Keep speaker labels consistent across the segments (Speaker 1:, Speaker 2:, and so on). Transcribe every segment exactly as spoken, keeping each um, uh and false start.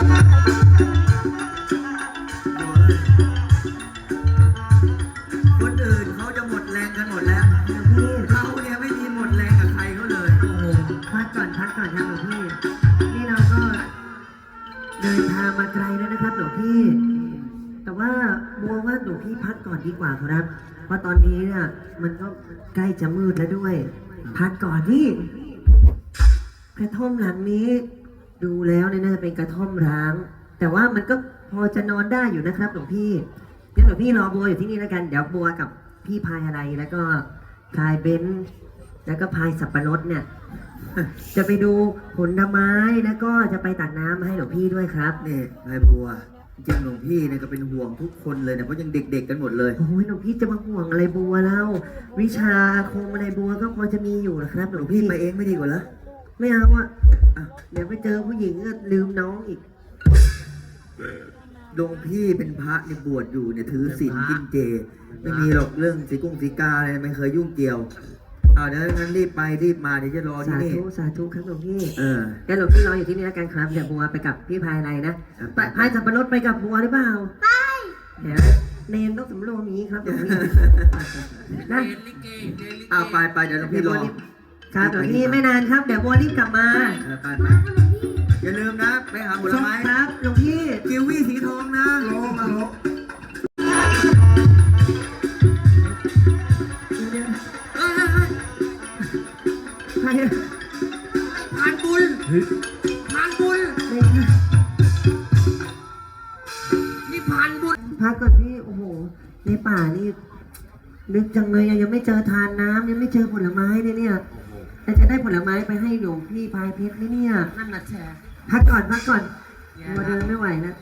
Speaker 1: คนอื่นเขาจะหมดแรงกันหมดแล้วพี่เขาเนี่ยไม่มีหมดแรงกับใครเขาเลยโอ้โหพักก่อนพักก่อนครับหลวงพี่นี่เราก็เดินทางมาไกลแล้วนะครับหลวงพี่แต่ว่าบัวว่าหลวงพี่พักก่อนดีกว่าครับเพราะตอนนี้เนี่ยมันก็ใกล้จะมืดแล้วด้วยพักก่อนที่กระท่อมหลังนี้ดูแล้วเนี่ยน่าจะเป็นกระท่อมร้างแต่ว่ามันก็พอจะนอนได้อยู่นะครับหลวงพี่งั้นหลวงพี่รอบัวอยู่ที่นี่แล้วกันเดี๋ยวบัวกับพี่พายอะไรแล้วก็พายเบนซ์แล้วก็พายสับปะรดเนี่ยจะไปดูผลไม้แล้วก็จะไปตักน้ำมาให้หลวงพี่ด้วยครับนี่พายบัวจริงหลวงพี่เนี่ยก็เป็นห่วงทุกคนเลยเนี่ยเพราะยังเด็กๆกันหมดเลยโอ้ยหลวงพี่จะมาห่วงอะไรบัวแล้ววิชาอาคมอะไรบัวก็พอจะมีอยู่นะครับหลวงพี่ไปเองไม่ดีกว่าเหรอไม่เอาอ่ะเดี๋ยวไปเจอผู้หญิงก็ลืมน้องอีกหลวงพี่เป็นพระในบวชอยู่เนี่ยถือศีลกินเจไม่มีหรอกเรื่องสีกุ้งสีกาอะไรไม่เคยยุ่งเกี่ยวเอาเดี๋ยวงั้นรีบไปรีบมาเดี๋ยวจะรอที่นี่สาธุสาธุครับหลวงพี่เออแกหลวงพี่รออยู่ที่นี่แล้วกันครับเดี๋ยวบัวไปกับพี่พายอะไรนะพายสับปะรดไปกับบัวหรือเปล่าไปเดี๋ยวเนนต้องสำรวมนี้ครับหลวงพี่นะเอาไปไปเดี๋ยวหลวงพี่รอครับหลวงพี่ไม่นานครับเดี๋ยวบัวรีบกลับมาไปไปอย่าลืมนะไปหาผลไม้ครับหลวงพี่กิววี่สีทองนะโลมาโลผ่านบุญผ่านบุญนี่ผ่านบุญพักก่อนพี่โอ้โหในป่านี่นึกจังเลยยังไม่เจอทานน้ำยังไม่เจอผลไม้เลยเนี่ยแต่จะได้ผลไม้ไปให้หลวงพี่พายเพชรไหมเนี่ยนั่นน่ะแชร์พักก่อนพักก่อนมาเดินไม่ไหวนะ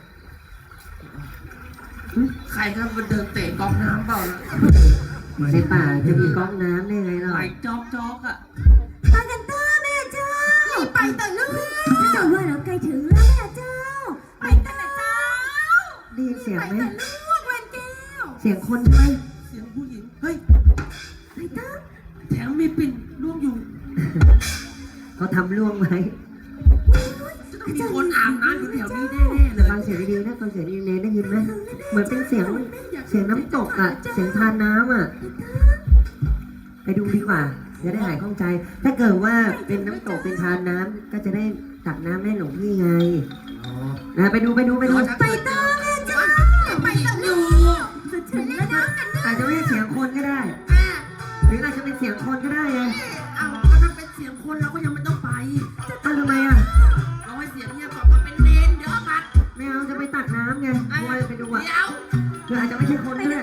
Speaker 1: ใครก็มาเดินเตะก๊อกน้ำเปล่าในป่าจะมีก๊อกน้ำได้ไงเราไปจ๊อกจ๊อกอ่ะ
Speaker 2: ไปกันเถอะแม่เจ้าไปแต่ลูกเจ้าว่าเราใกล้ถึงแล้วแม่เจ้าไปแต่เจ้า
Speaker 1: ได้ยินเสียงไหม
Speaker 2: ไปแต่ลูกเวนแก้ว
Speaker 1: เสียงคนใช่ไหม
Speaker 3: เสียงผู้หญิงเฮ้ย
Speaker 2: ไปเถอะ
Speaker 3: แถมมีปิ่นล่วงอยู่
Speaker 1: เขาทำล่วงไว้
Speaker 3: มีคนอาบน้ำอยู่แถวนี้แน่ๆเลย
Speaker 1: ฟังเสียงดีๆนะฟังเสียงดีๆได้ยินไหมเหมือนเป็นเสียงเสียงน้ำตกอ่ะเสียงทานน้ำอ่ะไปดูดีกว่าจะได้หายข้องใจถ้าเกิดว่าเป็นน้ำตกเป็นทานน้ำก็จะได้ตักน้ำให้หลวงพี่ไงนะไปดูไปดูไปดู
Speaker 2: ไปเถอะแม่เจ้าไปเถอะลูกสุดถึงแล้วนะ
Speaker 1: อาจจะไม่ใช่เสียงคนก็ได้หรืออาจจะเป็นเสียงคนก็ได้ไง
Speaker 3: เอาถ้าเป็นเสียงคนเราก็ยังไม่ต้องไป
Speaker 1: อ้าวทำไมอ่ะ
Speaker 3: เราให้เสียงเงียบก่อนมาเป็นเนนเดี๋ยวปัด
Speaker 1: ไม่เอาจะไปตักน้ำไงบัวไปดูอ่ะ
Speaker 3: เดี๋ยว
Speaker 1: คืออาจจะไม่ใช่คนก็ได้